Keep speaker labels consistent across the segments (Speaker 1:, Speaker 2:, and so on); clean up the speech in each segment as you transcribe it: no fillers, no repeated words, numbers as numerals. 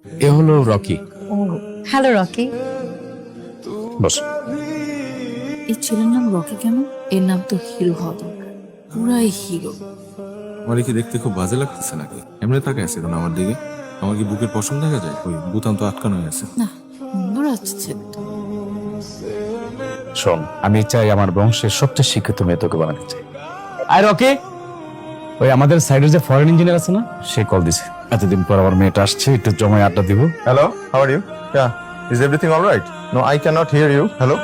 Speaker 1: এ হলো Rocky.
Speaker 2: Oh hello Rocky.
Speaker 1: Boss.
Speaker 2: এই ছেলের নাম রকি কেন? এর নাম তো হিরো হওয়া দরকার, পুরাই হিরো।
Speaker 3: আমার কি দেখতে খুব বাজে লাগতেছে নাকি? এমনি তাকায় আছে কেন আমার দিকে? আমার কি বুকের পশম দেখা যায়? ওই বুতাম তো আটকানো হয়ে আছে।
Speaker 2: না, সুন্দর আছে ছেলেটা।
Speaker 1: শোন, আমি চাই আমার বংশের সবচেয়ে শিক্ষিত মেয়ে তোকে বানাতে চাই। আর রকি, ওই আমাদের সাইডের যে ফরেন ইঞ্জিনিয়ার আছে না, সে কল দিছে। এতদিন পর আমার মেয়েটা আসছে, একটু জমায় আড্ডা দিব।
Speaker 4: Hello, how are you? Yeah, is everything all right? No, I cannot hear you. Hello?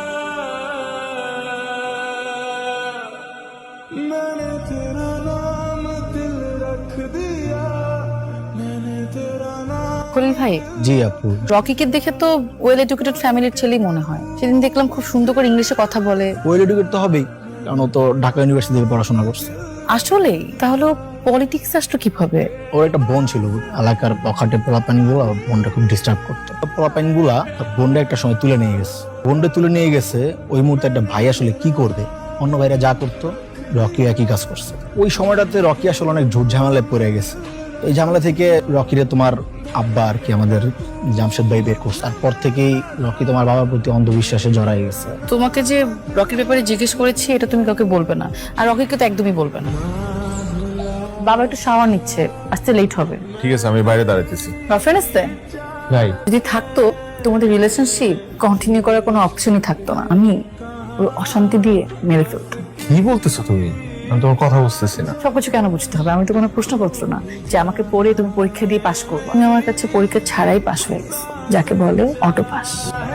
Speaker 2: Khalil ভাই,
Speaker 5: জি আপু।
Speaker 2: রকিকে দেখে তো ওয়েল এডুকেটেড ফ্যামিলির ছেলেই মনে হয়। সেদিন দেখলাম খুব সুন্দর করে ইংলিশে কথা বলে।
Speaker 5: ওয়েল এডুকেট তো হবেই, কারণ ও তো ঢাকা ইউনিভার্সিটি থেকে পড়াশোনা করছে।
Speaker 2: আসলেই? তাহলে পলিটিক্স আসলো কিভাবে?
Speaker 5: ওর একটা বোন ছিল, এলাকার পখাটে পোলাপানি গুলো বোনটা খুব ডিস্টার্ব করতো। পোলাপানি গুলা বোনটা একটা সময় তুলে নিয়ে গেছে। বোনটা তুলে নিয়ে গেছে, ওই মুহূর্তে একটা ভাই আসলে কি করবে, অন্য ভাইরা যা করতো রকি একই কাজ করছে। ওই সময়টাতে রকি আসলে অনেক ঝুট ঝামেলায় পড়ে গেছে। এই ঝামেলা থেকে রকিরে তোমার আব্বা আর কি আমাদের জামশেদ ভাই বের করছে। তারপর থেকেই রকি তোমার বাবার প্রতি অন্ধবিশ্বাসে জড়াই গেছে।
Speaker 2: তোমাকে যে রকির ব্যাপারে জিজ্ঞেস করেছি এটা তুমি কাউকে বলবে না, আর রকিকে তো একদমই বলবে না। বাবা একটু শাওয়ার নিচ্ছে, আসতে লেট হবে।
Speaker 4: ঠিক আছে, আমি বাইরে দাঁড়াইতেছি।
Speaker 2: গার্লফ্রেন্ড আসতে
Speaker 5: ভাই
Speaker 2: যদি থাকতো তোমাদের রিলেশনশিপ কন্টিনিউ করার কোনো অপশনই থাকতো না। আমি ওর অশান্তি দিয়ে মেরে ফেলতাম।
Speaker 4: কি বলতেছো তুমি? আমি তোমার কথা বুঝতেছি না।
Speaker 2: সবকিছু কেন বুঝতে হবে? আমি তো কোনো প্রশ্নপত্র না যে আমাকে পড়ে তুমি পরীক্ষা দিয়ে পাশ করবো। তুমি আমার কাছে পরীক্ষা ছাড়াই পাশ হয়ে গেছো, যাকে বলে অটো পাস।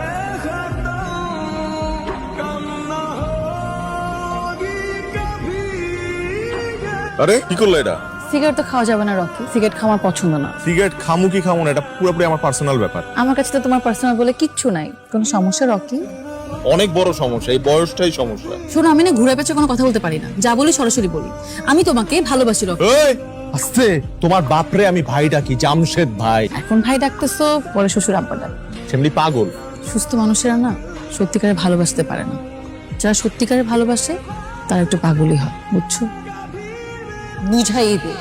Speaker 4: আরে কি করলো এটা?
Speaker 2: সিগারেট তো খাওয়া যাবে না রকি, সিগারেট খাওয়ার পছন্দ না।
Speaker 4: সিগারেট খামু কি খামু না, এটা পুরোপুরি আমার পার্সোনাল ব্যাপার।
Speaker 2: আমার কাছে তো তোমার পার্সোনাল বলে কিচ্ছু নাই। কোনো সমস্যা রকি?
Speaker 4: অনেক বড় সমস্যা, এই বয়সটাই সমস্যা।
Speaker 2: শোনো, আমি না ঘুরে পেঁচে কোনো কথা বলতে পারি না, যা বলি সরাসরি বলি। আমি তোমাকে ভালোবাসি রকি।
Speaker 4: এই আস্তে, তোমার বাপরে আমি ভাই ডাকি, জামশেদ ভাই।
Speaker 2: এখন ভাই ডাকতেছো, পরে শ্বশুর আব্বা ডাক।
Speaker 4: সেমনি পাগল।
Speaker 2: সুস্থ মানুষেরা না সত্যিকারে ভালোবাসতে পারে না। যারা সত্যিকারে ভালোবাসে তারা একটু পাগলই হয়, বুঝছো? বুঝাই দে।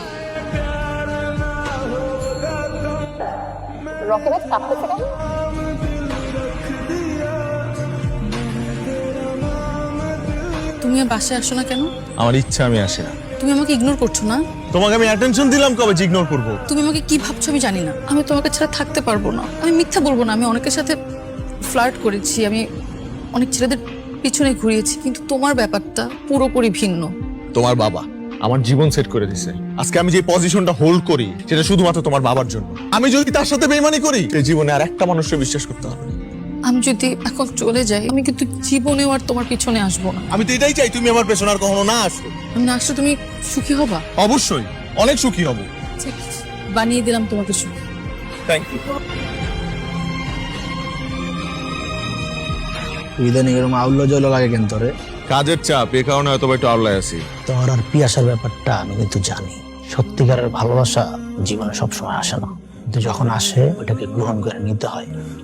Speaker 2: তুমি আর বাসায় আসো না কেন?
Speaker 4: আমার ইচ্ছা, আমি আসি না।
Speaker 2: তুমি আমাকে ইগনোর করছো না?
Speaker 4: তোমাকে আমি অ্যাটেনশন দিলাম কবে যে ইগনোর করবো?
Speaker 2: তুমি আমাকে কি ভাবছো আমি জানি না। আমি তোমাকে ছাড়া থাকতে পারবো না। আমি মিথ্যা বলবো না, আমি অনেকের সাথে ফ্লার্ট করেছি, আমি অনেক ছেলেদের পিছনে ঘুরিয়েছি, কিন্তু তোমার ব্যাপারটা পুরোপুরি ভিন্ন।
Speaker 4: তোমার বাবা আমার জীবন সেট করে দিছে। আজকে আমি যে পজিশনটা হোল্ড করি সেটা শুধুমাত্র তোমার বাবার জন্য। আমি যদি তার সাথে বেইমানি করি, এই জীবনে আর একটা মানুষকে বিশ্বাস করতে হবে না।
Speaker 2: আমি যদি এখন চলে যাই, আমি কিন্তু জীবনেও আর তোমার পিছনে আসবো না।
Speaker 4: আমি তো এটাই চাই, তুমি আমার পেছনে আর কখনো না আসো।
Speaker 2: আমি না আসলে তুমি সুখী হবা?
Speaker 4: অবশ্যই, অনেক সুখী হব।
Speaker 2: ঠিক, বানিয়ে দিলাম তোমাকে সুখী।
Speaker 4: Thank you.
Speaker 5: ইদানিং এরকম আউল্য জল লাগে কেন তোরে?
Speaker 4: কাজের চাপ, এ কারণে হয়তো একটু আওলায় আছি।
Speaker 5: তোর আর পিয়াসার ব্যাপারটা আমি কিন্তু জানি। সত্যিকারের ভালোবাসা জীবনে সবসময় আসে না, কিন্তু যখন আসে ওটাকে গ্রহণ করে নিতে হয়।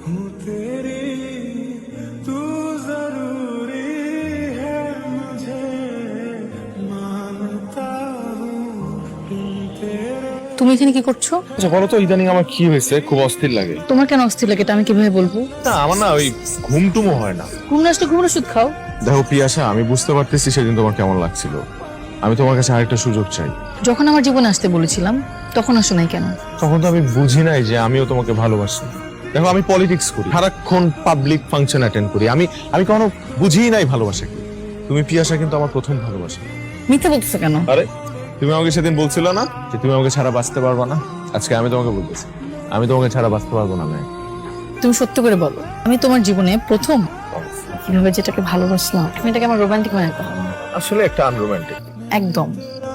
Speaker 2: তুমি এখানে কি করছো?
Speaker 4: আচ্ছা বলো তো, ইদানিং আমার কি হয়েছে? খুব অস্থির লাগে।
Speaker 2: তোমার কেন অস্থির লাগে এটা আমি কিভাবে বলবো?
Speaker 4: না, আমার না ওই ঘুমটুমো হয় না।
Speaker 2: ঘুম না আসলে ঘুমের ওষুধ খাও।
Speaker 4: দেখো পিয়াসা, আমি বুঝতে পারতেছি সেদিন তোমার কেমন লাগছিল। আমি তোমার কাছে আরেকটা সুযোগ চাই।
Speaker 2: যখন আমার জীবনে আসতে বলেছিলাম তখন আসো নাই কেন?
Speaker 4: তখন তো আমি বুঝি নাই যে আমিও তোমাকে ভালোবাসি। দেখো, আমি পলিটিক্স করি, সারাক্ষণ পাবলিক ফাংশন অ্যাটেন্ড করি। আমি কখনো বুঝিই নাই ভালোবাসা কি। তুমি পিয়াসা কিন্তু আমার প্রথম ভালোবাসা।
Speaker 2: মিথ্যা বলতেছো কেন?
Speaker 4: আরে তুমি আমাকে সেদিন বলছিল না যে তুমি আমাকে ছাড়া বাঁচতে পারবে না? আজকে আমি তোমাকে বলতেছি, আমি তোমাকে ছাড়া বাঁচতে পারবো না। আমি
Speaker 2: তুমি সত্য করে বলো, আমি তোমার জীবনে প্রথম কিভাবে যেটাকে ভালোবাসলাম। তুমি এটাকে আমার রোমান্টিক মনে করো?
Speaker 4: আসলে একটা আনরোমান্টিক।
Speaker 2: একদম।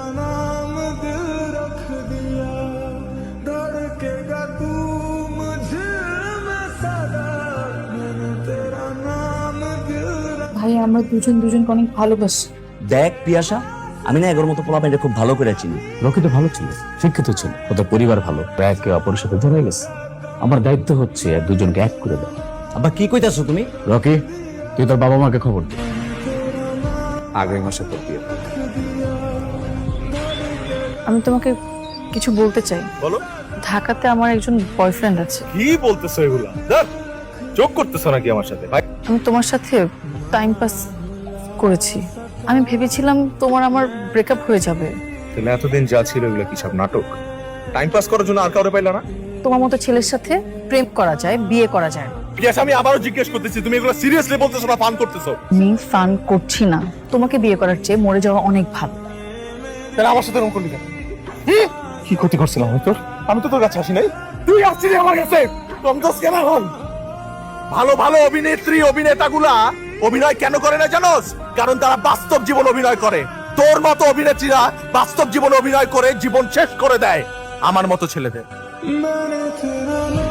Speaker 2: ভাই, আমরা দুজন দুজনকে অনেক ভালোবাসি।
Speaker 6: দেখ পিয়াসা, আমি না এগোর মতো পোলাপাইনটা খুব ভালো করে চিনি।
Speaker 1: রকি তো ভালো ছিল, শিক্ষিত ছিল, ওদের পরিবার ভালো, একে অপরের সাথে ধরে গেছে। আমার দায়িত্ব হচ্ছে দুজনকে এক করে দেওয়া।
Speaker 6: আবার কি কইতাছো তুমি?
Speaker 1: রকি, তুই তোর বাবা মাকে খবর দে, আগামী মাসে তোর বিয়ে।
Speaker 2: আমি তোমাকে কিছু বলতে চাই।
Speaker 4: বলো।
Speaker 2: ঢাকাতে আমার একজন বয়ফ্রেন্ড আছে।
Speaker 4: কি বলতেছো এগুলা? চোখ করতেছো নাকি আমার সাথে? ভাই
Speaker 2: আমি তোমার সাথে টাইম পাস করেছি। আমি ভেবেছিলাম তোমার আমার ব্রেকআপ হয়ে যাবে।
Speaker 4: তাহলে এতদিন যা ছিল এগুলো কি সব নাটক? টাইম পাস করার জন্য আর কাউরে পাইলা না?
Speaker 2: তোমার মতো ছেলের সাথে প্রেম করা যায়, বিয়ে করা যায় না।
Speaker 4: পিয়াস, আমি আবারও জিজ্ঞেস করতেছি, তুমি এগুলো সিরিয়াসলি বলতেছো না ফান করতেছো?
Speaker 2: আমি ফান করছি না। তোমাকে বিয়ে করার চেয়ে মরে যাওয়া অনেক ভালো।
Speaker 4: তাহলে আমার সাথে এরকম করলি কেন? কি ক্ষতি করছিলাম আমি তোর? আমি তো তোর কাছে আসি নাই, তুই আসছিলি আমার কাছে। কমদোস কেন হন? ভালো ভালো অভিনেত্রী অভিনেতাগুলা অভিনয় কেন করে না জানোস? কারণ তারা বাস্তব জীবন অভিনয় করে। তোর মতো অভিনেত্রীরা বাস্তব জীবন অভিনয় করে জীবন শেষ করে দেয় আমার মতো ছেলেদের।